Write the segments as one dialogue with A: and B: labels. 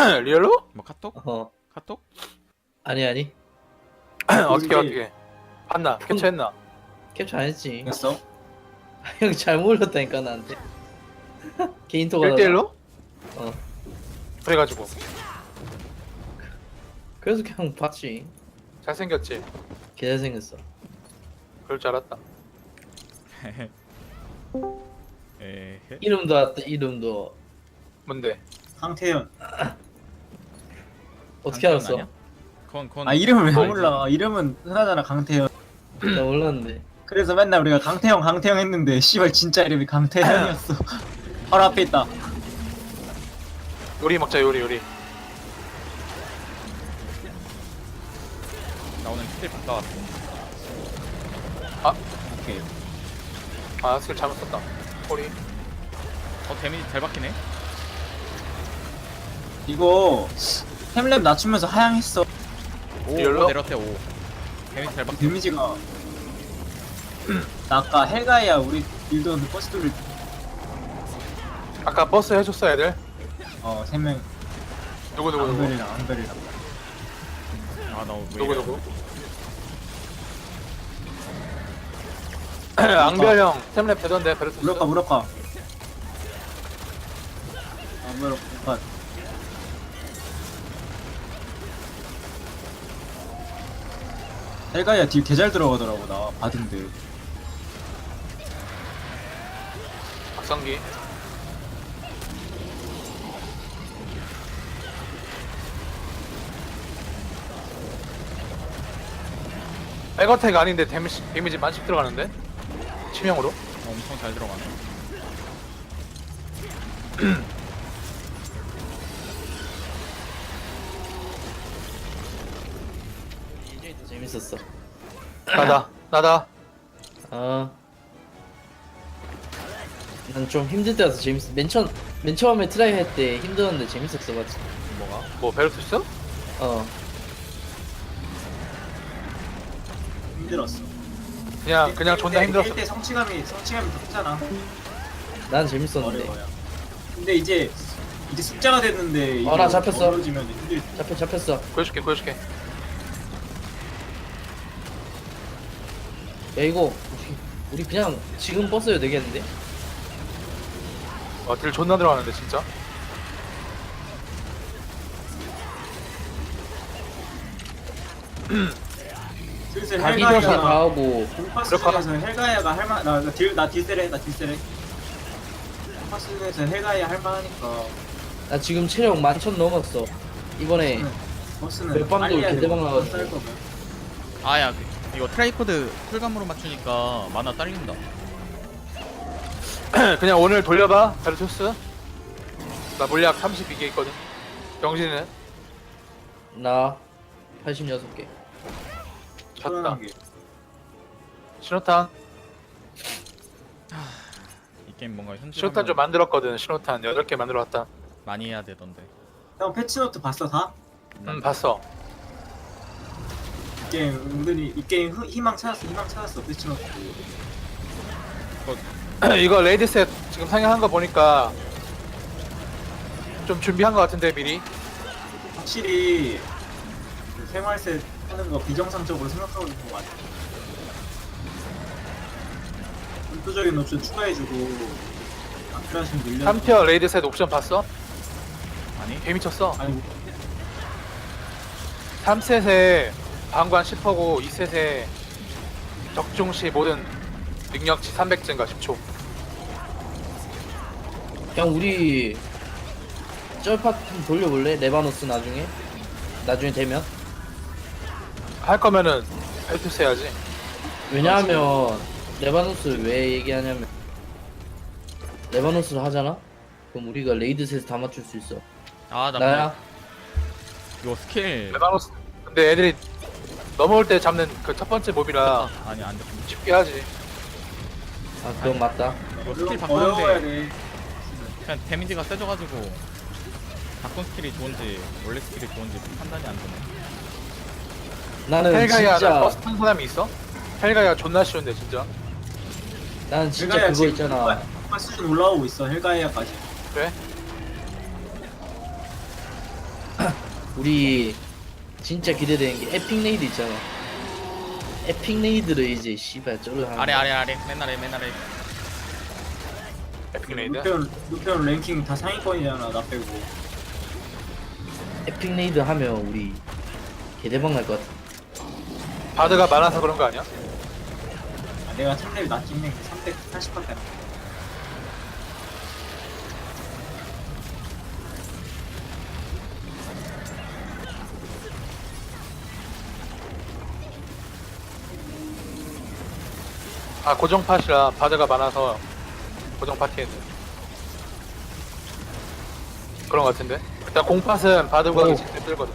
A: 리얼로?
B: 뭐 카톡?
C: 어
B: 카톡?
C: 아니
A: 어떻게 봤나? 캡처했나?
C: 캡처 안 했지.
D: 됐어?
C: 형 잘못 올렸다니까 나한테. 개인톡 하다가.
A: 1대1로?
C: 어
A: 그래가지고
C: 그래서 그냥 봤지.
A: 잘생겼지?
C: 개 잘생겼어.
A: 그럴 줄 알았다.
B: 에헤.
C: 이름도 왔다. 이름도
A: 뭔데?
D: 강태현.
C: 어떻게
B: 강태현
C: 알았어?
B: 아니야? 그건
D: 아 이름을 왜
A: 알지.
D: 몰라? 이름은 흔하잖아 강태현.
C: 나 몰랐는데.
D: 그래서 맨날 우리가 강태형 했는데 씨발 진짜 이름이 강태현이었어. 바로 앞에 있다.
A: 요리 먹자 요리.
B: 나 오늘 스킬 바꿔왔어.
D: 오케이.
A: 아 스킬 잘못 썼다. 꼬리.
B: 데미지 잘 박히네.
D: 이거 템랩 낮추면서 하향했어.
B: 5
A: 리얼로?
B: 내렸대 5. 데미지 잘 박혀.
D: 데미지가 나 아까 헬가이야 우리 빌드원들 버스 돌릴 때
A: 아까 버스 해줬어 애들?
D: 3명
A: 누구
D: 안별이랑
B: 아나왜
A: 누구? 앙별 형 템랩 되던데 베르토스.
D: 무력화 무력화 헬가이야 딜 개잘 들어가더라고 나 받은데.
A: 박성기. 백어택 아닌데 데미지 만씩 들어가는데? 치명으로?
B: 엄청 잘 들어가네.
C: 이제 더 재밌었어.
A: 나다.
C: 난 좀 힘들 때라서 재밌어. 맨 처음에 트라이 할 때 힘들었는데 재밌었어, 맞지?
B: 뭐가?
A: 뭐 베르토스?
C: 어.
D: 힘들었어.
A: 그냥 존나 힘들었어.
D: 1대 성취감이 더 크잖아.
C: 난 재밌었는데.
D: 어려워요. 근데 이제 숫자가 됐는데
C: 나 잡혔어.
D: 어려지면 힘들.
C: 잡혔어.
A: 보여줄게.
C: 야 이거 우리 그냥 지금 버스여도 되겠는데?
A: 딜 존나 들어가는데 진짜.
D: 슬슬
C: 가기 전에 다
D: 헬가이가
C: 하고.
D: 공파스 중에서 헬가이아가 할만 나 딜세래. 공파스 중에서 헬가이아 할만하니까
C: 나 지금 체력 11,000 넘었어. 이번에
D: 버스는
C: 몇 방도
D: 빨리 해야
C: 개대박
D: 돼.
C: 나가지고.
D: 쌀 거면.
B: 아야 이거 트라이코드 풀감으로 맞추니까 만화 딸린다.
A: 그냥 오늘 돌려봐 베르토스. 나 물약 32개 있거든. 병신은
C: 나 86개.
A: 졌다.
D: 시원한 게.
A: 신호탄
B: 이 게임 뭔가 현실
A: 신호탄 좀 만들었거든. 신호탄 8개 만들어왔다.
B: 많이 해야 되던데.
D: 형 패치노트 봤어 다?
A: 봤어.
D: 이 게임 은근히 이 게임 희망 찾았어 패치노트.
A: 이거 레이드셋 지금 상영한 거 보니까 좀 준비한 거 같은데 미리.
D: 확실히 그 생활세 하는 거 비정상적으로 생각하고 있는 거 같아. 불도적인 옵션 추가해주고 안 필요하시면 늘려.
A: 3티어 레이드셋 옵션 봤어?
B: 아니?
A: 개 미쳤어.
D: 아니
A: 3셋에 방관 10%고 2셋에 적중 시 모든 능력치 300 증가 10초.
C: 그냥 우리 쩔팟 좀 돌려볼래? 레바노스 나중에 되면?
A: 할 거면은 헬투스 해야지.
C: 왜냐하면 레바노스를 왜 얘기하냐면 레바노스를 하잖아? 그럼 우리가 레이드셋 다 맞출 수 있어.
B: 아나
C: 나야?
B: 이거 스킬
A: 레바노스 근데 애들이 넘어올 때 잡는 그 첫 번째 몹이라
B: 아니 안돼.
A: 쉽게 하지.
C: 아 그건 맞다.
B: 이거 스킬
D: 어려워야
B: 바꾸는데
D: 돼.
B: 그냥 데미지가 세져가지고 바꾼 스킬이 좋은지 원래 스킬이 좋은지 판단이 안 되네.
C: 나는
A: 헬가이아
C: 진짜
A: 버스 탄 사람이 있어? 헬가이아 존나 쉬운데 진짜.
C: 나는 진짜
D: 헬가이아
C: 그거
D: 지금
C: 있잖아.
D: 수준 올라오고 있어 헬가이아까지.
A: 그래?
C: 우리 진짜 기대되는 게 에픽 레이드 있잖아. 에픽 레이드를 이제 씨발 저를 하는
B: 아래 맨날 해.
A: 에픽 레이드.
D: 루페온 랭킹 다 상위권이잖아 나 빼고.
C: 에픽 레이드 하면 우리 개대박 날 것 같아.
A: 바드가 많아서 그런 거 아니야?
D: 아, 내가 3렙 낮긴 해. 380밖에 안 돼.
A: 아 고정 팟이라 바드가 많아서 고정 파티에 있는 그런 거 같은데. 일단 공팟은 바드가
C: 오.
A: 진짜 뜨거든.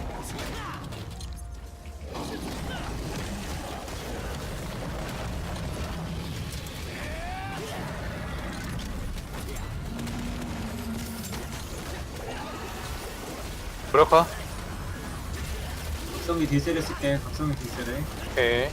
A: 그럴까?
D: 각성기 딜셀을 쓸게. 각성기 딜셀을.
A: 오케이.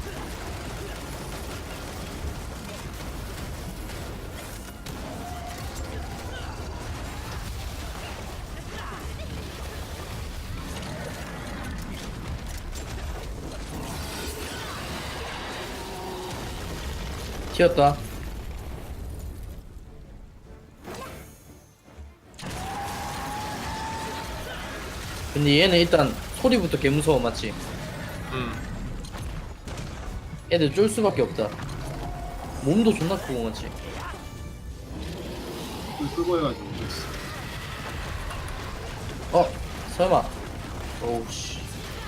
C: 튀었다. 근데 얘는 일단 소리부터 개 무서워 맞지? 애들 쫄 수밖에 없다. 몸도 존나 크고 맞지?
D: 불 끄고 해가지고.
C: 어? 설마? 오우 씨.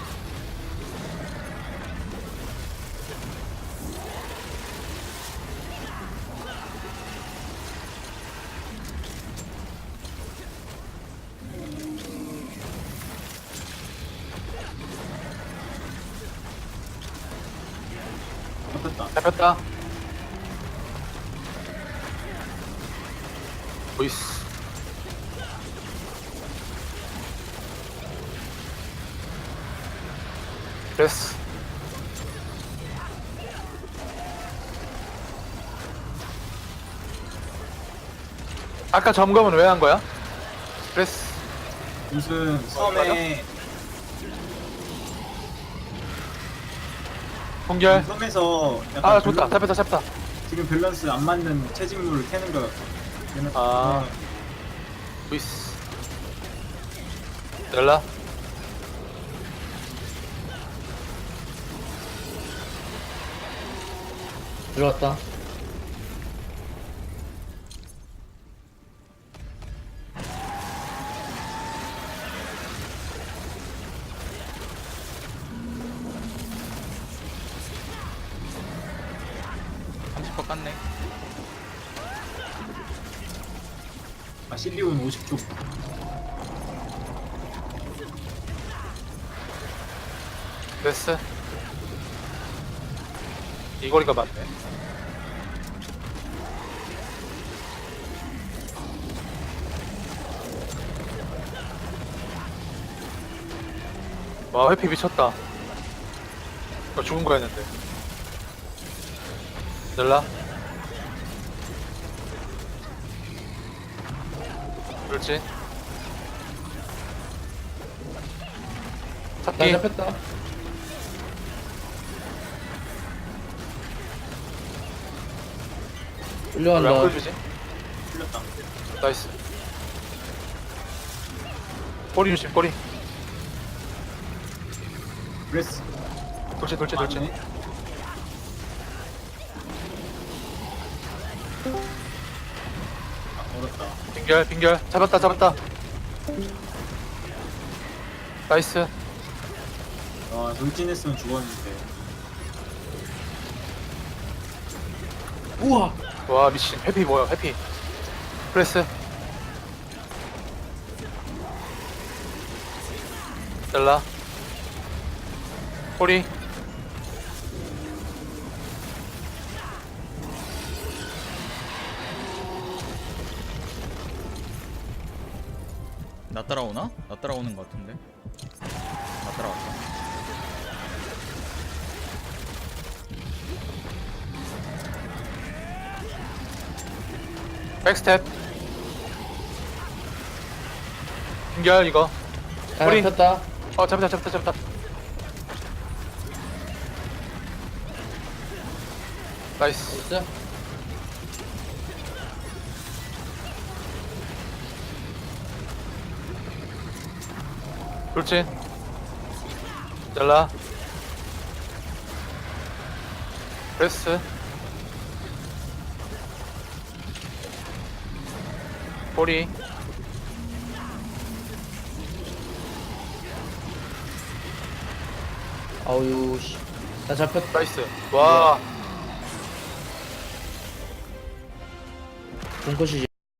D: 잡혔다.
A: 잡혔다. 보이스. 됐어. 아까 점검은 왜 한 거야? 그랬어.
D: 무슨 섬에
A: 공결.
D: 섬에서 약간
A: 아 좋다. 잡혔다.
D: 지금 밸런스 안 맞는 채집물을 캐는 거.
A: 아. 보이스. 열라.
C: 들어왔다.
B: 깠네.
D: 아 실리온 50초.
A: 됐어. 이 거리가 맞네. 와 회피 미쳤다. 이거 죽은 거였는데. 열라. 그렇지.
C: 나
A: 잡기.
C: 잡혔다.
A: 왜안
C: 끌려간다.
A: 보여주지?
D: 틀렸다.
A: 나이스. 꼬리 조심, 꼬리.
D: 브레스.
A: 돌진.
D: 맞네. 아 어렵다.
A: 빙결. 잡았다. 나이스.
D: 아 돌진했으면 죽었는데.
C: 우와.
A: 와 미친. 회피 뭐야? 회피. 프레스. 잘라. 꼬리.
B: 나 따라오나? 나 따라오는 것 같은데. 나 따라왔다.
A: 백스텝. 빙결 이거.
C: 아,
A: 꼬리.
C: 잡혔다.
A: 잡았다. 나이스.
C: 나이스.
A: 돌진. 잘라. 프레스. 꼬리.
C: 아우 씨. 나 잡혔다.
A: 나이스. 와.
C: 본컷이지.